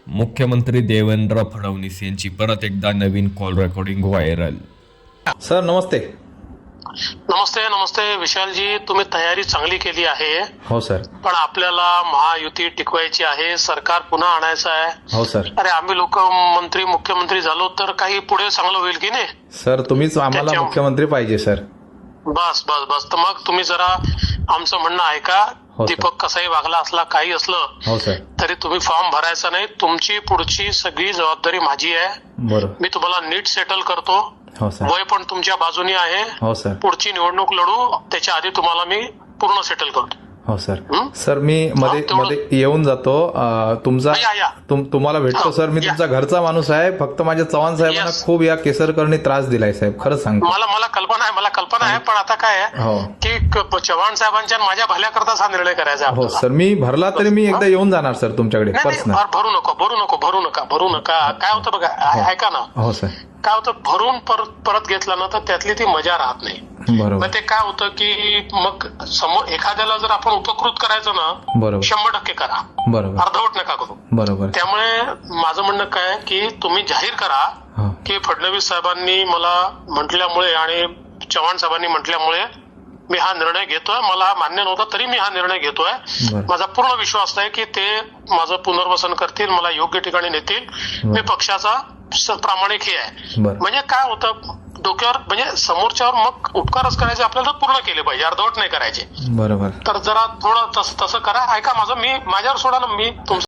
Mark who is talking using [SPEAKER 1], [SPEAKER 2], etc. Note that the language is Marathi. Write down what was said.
[SPEAKER 1] मुख्यमंत्री देवेंद्र फडणवीस यांची परत एकदा नवीन कॉल रेकॉर्डिंग व्हायरल।
[SPEAKER 2] सर नमस्ते।
[SPEAKER 3] नमस्ते नमस्ते विशालजी, तुम्ही तयारी चांगली केली आहे।
[SPEAKER 2] हो सर।
[SPEAKER 3] पण आपल्याला महायुती टिकवायची आहे, सरकार पुन्हा आणायचं आहे।
[SPEAKER 2] हो सर।
[SPEAKER 3] अरे आम्ही लोक मंत्री मुख्यमंत्री झालो तर काही पुढे चांगलं होईल की नाही?
[SPEAKER 2] सर तुम्हीच आम्हाला मुख्यमंत्री पाहिजे सर।
[SPEAKER 3] बस बस बस, तर मग तुम्ही जरा आमचं म्हणणं ऐका।
[SPEAKER 2] हो सर।
[SPEAKER 3] दीपक कसाही वागला असला काही असलं
[SPEAKER 2] हो सर।
[SPEAKER 3] तरी तुम्ही फॉर्म भरायचा नाही, तुमची पुढची सगळी जबाबदारी माझी आहे।
[SPEAKER 2] बरोबर।
[SPEAKER 3] मी तुम्हाला नीट सेटल करतो।
[SPEAKER 2] हो सर।
[SPEAKER 3] वय पण तुमच्या बाजूनी आहे।
[SPEAKER 2] हो सर।
[SPEAKER 3] पुढची निवडणूक लढू त्याच्या आधी तुम्हाला मी पूर्ण सेटल करतो।
[SPEAKER 2] हो सर। सर मी मध्ये येऊन जातो, तुमचा तुम्हाला भेटतो सर। मी तुमचा घरचा माणूस आहे, फक्त माझ्या चव्हाण साहेबांना खूप या केसरकरनी त्रास दिलाय साहेब, खरंच सांगतो।
[SPEAKER 3] मला कल्पना आहे पण आता काय आहे की चव्हाण साहेबांच्या माझ्या भल्याकरताच हा निर्णय करायचा।
[SPEAKER 2] हो सर, मी भरला तरी मी एकदा येऊन जाणार सर तुमच्याकडे पर्सनल।
[SPEAKER 3] भरू नका। काय होतं बघा, ऐका ना।
[SPEAKER 2] हो सर।
[SPEAKER 3] काय होतं, भरून परत घेतला ना तर त्यातली ती मजा राहत नाही।
[SPEAKER 2] बरोबर।
[SPEAKER 3] मग ते काय होतं की मग समोर एखाद्याला जर आपण उपकृत करायचं ना,
[SPEAKER 2] बरोबर
[SPEAKER 3] 100% करा,
[SPEAKER 2] बरोबर
[SPEAKER 3] अर्धवट नका करू।
[SPEAKER 2] बरोबर।
[SPEAKER 3] त्यामुळे माझं म्हणणं काय की तुम्ही जाहीर करा की फडणवीस साहेबांनी मला म्हटल्यामुळे आणि चव्हाण साहेबांनी म्हटल्यामुळे मी हा निर्णय घेतोय। मला मान्य नव्हता तरी मी हा निर्णय घेतोय। माझा पूर्ण विश्वास आहे की ते माझं पुनर्वसन करतील, मला योग्य ठिकाणी नेतील। मी पक्षाचा प्रामाणिक हे आहे। म्हणजे काय होतं डोक्यावर, म्हणजे समोरच्यावर मग उपकारच करायचे आपल्याला तर पूर्ण केले पाहिजे, अर्धवट नाही करायचे।
[SPEAKER 2] बरोबर।
[SPEAKER 3] तर जरा थोडं तसं करा। ऐका माझं, मी माझ्यावर सोडा ना, मी तुमचं